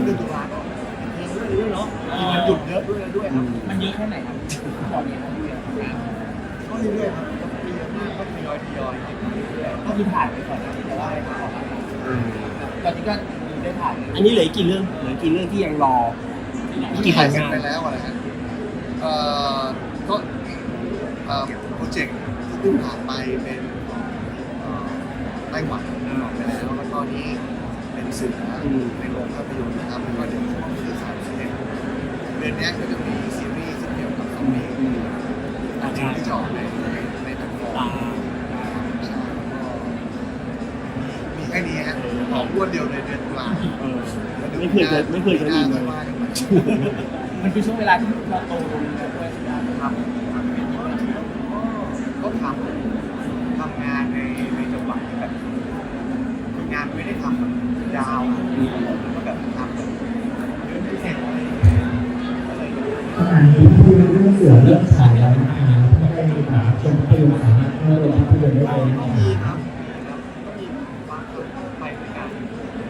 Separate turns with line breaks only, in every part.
เดือนตุลาก็เรื่องเนาะมีวันหยุดเยอะด้วยครับ
มันเยอะแค่ไหนครับบอกเนี่ยครับ
ก็เรื่อยๆครับก็ไม่เยอะมากก็ทยอยเรื่อยๆ
ก็คือถ่ายไปก่อนแต่ว่าไม่ถ่ายออกมาตอนนี้ก็ได้ถ่าย
อันนี้เหลือกี่เรื่องที่ยังรอกี่ผลงาน
ไปแล้วอะไรฮะก็โปรเจกต์ที่เพิ่งผ่านไปเป็นไต้หวันไปแล้วแล้วก็นี้เป็นสื่อในโรงภาพยนตร์นะครับแล้วก็เดี๋ยวช่วงที่31เดือนนี้ก็จะมีซีรีส์เกี่ยวกับซอมบี้ที่จะออกในแพลตฟอร์มมีแค่นี้ฮะออกรวดเดียวในเดือนตุลา
ไม่เคยจะมีเลย
มันคือช่วงเวลาที่เราโตลงแล้วด้วย
ครับก็ทำงานในจังหวัดแบบงานไม่ได้ทำแบบยาวก็แบบทำแบบเรื่องพิเศษอะไร
ขณะนี้ที่เรื่องเสือเริ่มฉายแล้วนะคะไม่ได้มีชมภาพยนตร์สามารถเข้าโรงภาพยนตร์ได้เลย
ก็มีครับก็มีบางคนไปเหมือนกัน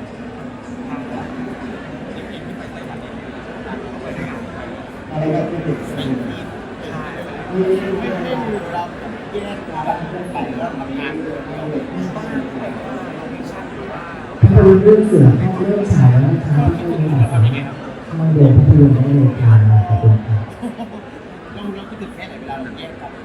อะไรก็เป็นเด็กใช่
ไม่ดูเราแยกกันไปแล้วทำงานด้วย
มีบ้างแบบว่าโลเคชั่นหรือว่า
ภาพยนตร์เรื่องเสือเข้าเริ่มฉายแล้วนะคะที่โรงภาพยนตร์เข้าโรงภาพยนตร์ได้เลยค่ะขอบคุณค่ะ
เราคิดถึงแค่ไหนเวลาเราแยกกัน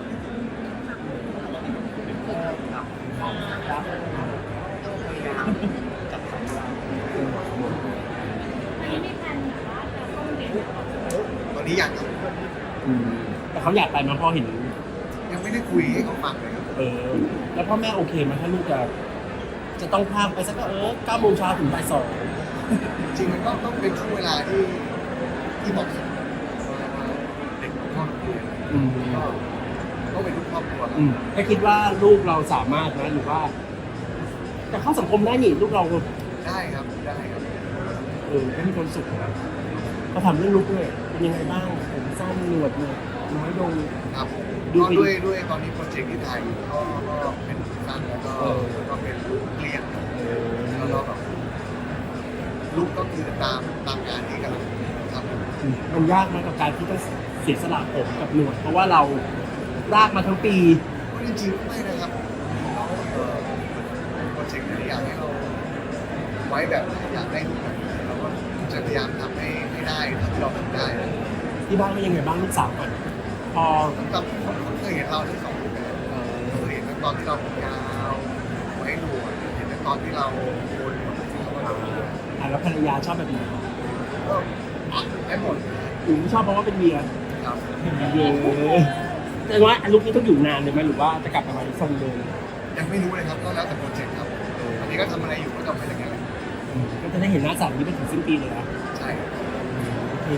ตอนนี้ยังครับ
แต่เขาอยากไปมาพอเห็น
ยังไม่ได้คุยให้เขาฟังเลยครับ
แล้วพ่อแม่โอเคไหมถ้าลูกจะต้องพาไปสัก9 โมงเช้าถึงบ่าย 2
จริงมันก็ต้องเป็นช่วงเวลาที่เหมาะสมเด็กครอบครัวก็เป็นลูกครอบครัว
ถ้าคิดว่าลูกเราสามารถนะหรือว่าจะเข้าสังคมได้นี่ลูกเรา
ได้ครับ
ก็มีความสุขนะก็ทำเรื่องลูกด้วยเป็นยังไงบ้างผมสั้นหนวดน้อยลง
ครับด้วยตอนนี้โปรเจกต์ที่ถ่ายอยู่ก็เป็นสั้นแล้วก็เป็นลูกเลี้ยงแล้วก็แบบลูกก็คือตามงานที่กำลังทำ
มันยากไหมกับการที่ต้องเสียสละผมกับหนวดเพราะว่าเราลากมาทั้งปี
จริงๆไม่นะครับเราโปรเจกต์นี้อยากให้เราไว้แบบอยากได้ลูกแบบเราก็จะพยายามทำให้ได้เท่าที่เราทำได้
ที่บ้านเป็นยังไงบ้างลูกสาวก่อนพอ
เขาเคยเห็นเราที่2 แบบเคยเห็นตอนที่เราผมยาวไว้หนวดเห็นตอนที่เราโกนหนวด
แล้วภรรยาชอบแบบไหน
ก็ได้หมด
ชอบเพราะว่าเป็นเมีย
ครับ
แต่ว่าลูกนี้ต้องอยู่นานเลยไหมหรือว่าจะกลับมาทรงเดิม
ยังไม่รู้เลยครับก็แล้วแต่โปรเจกต์ครับตอนนี้ก็ทำอะไรอยู่ก็ทำไปอย่างเงี้ย
ก็จะได้เห็นหน้าสาวนี้ไปถึงสิ้นปีเลยนะ
ใช่